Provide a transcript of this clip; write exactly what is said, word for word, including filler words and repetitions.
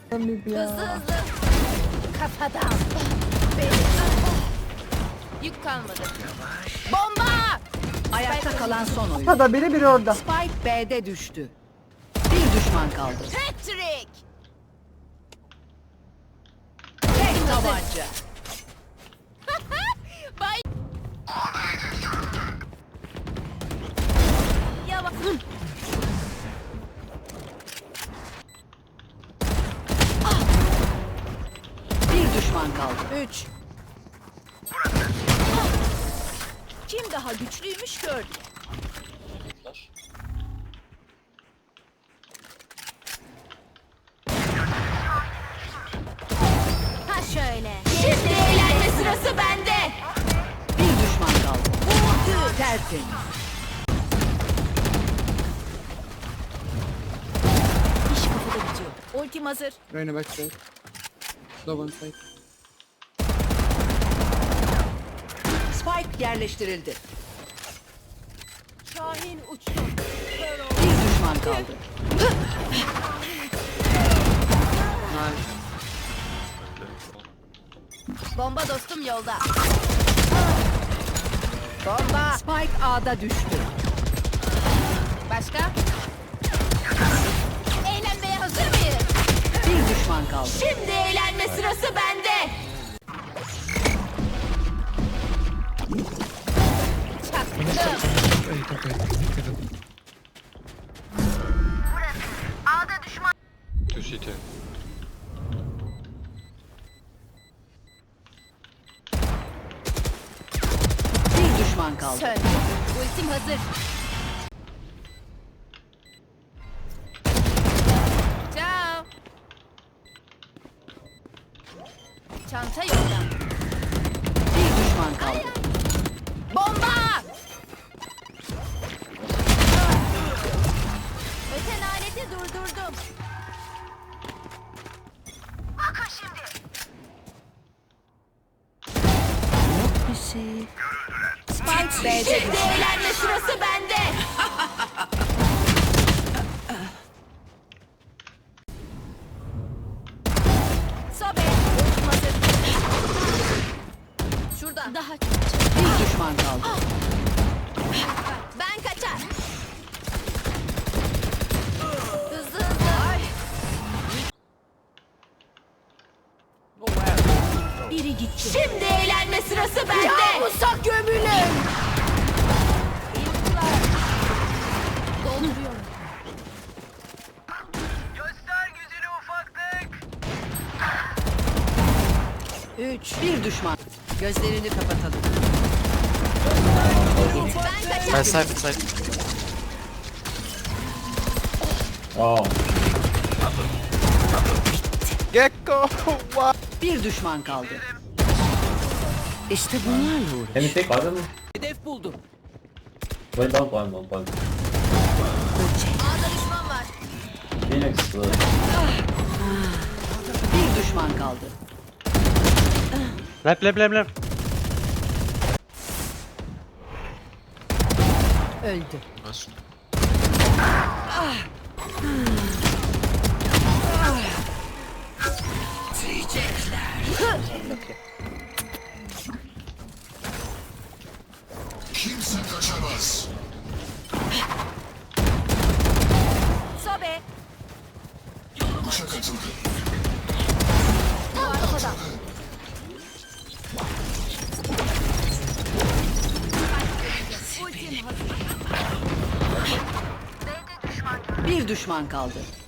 Hızlı hızlı. Kafadan. Benim. Yük kalmadı. Bomba! Ayakta kalan son oyun. Burada biri biri orada. Spike B'de düştü. Bir düşman kaldı. Patrick! Tek tabanca. Bay. Yavaş. Bir düşman kaldı. Üç. Kim daha güçlüymüş gördük. Ha şöyle. Şimdi eğlenme sırası bende. Bir düşman kaldı. Vurdu. Tertemiz. İş kafada bitiyor. Ultim hazır. Reyna backside. Low one side. Spike yerleştirildi. Şahin uçtu. Bir düşman kaldı. Nice. Bomba dostum yolda. Bomba. Spike A'da düştü. Başka? Eğlenmeye hazır mıyız? Bir düşman kaldı. Şimdi eğlenme sırası bende. Çaktım. Wait, okay. Two C T. Bir düşman kaldı. Söndü. Ultim hazır. Ciao. Çanta yolda. Bir düşman kaldı. Bomba! Öten aleti durdurdum. Bakın şimdi. Bir şey. Spike B'de Şimdi düştü. eğlenme sırası bende. Sobe. Ultim hazır. Şurada. Daha Bir düşman kaldı. ben kaçar. Hızlı hızlı. Biri gitti. Şimdi eğlenme sırası bende. Kabusa gömülün. Dolduruyorum. Göster gücünü ufaklık. Üç. Bir düşman. Gözlerini kapatalım. Ben kaçar. Uh, side, side. Oh, Gecko! What? Bir düşman kaldı. İşte bunlarla uğraş. can you take pardon? Hedef buldum. Wait, don't point, don't point. A'da düşman var. Phoenix, uh, Bir düşman kaldı. Left, left, left, left. Öldü. Nice. Sobe. Arkada. Ultim hazır. Bir düşman kaldı.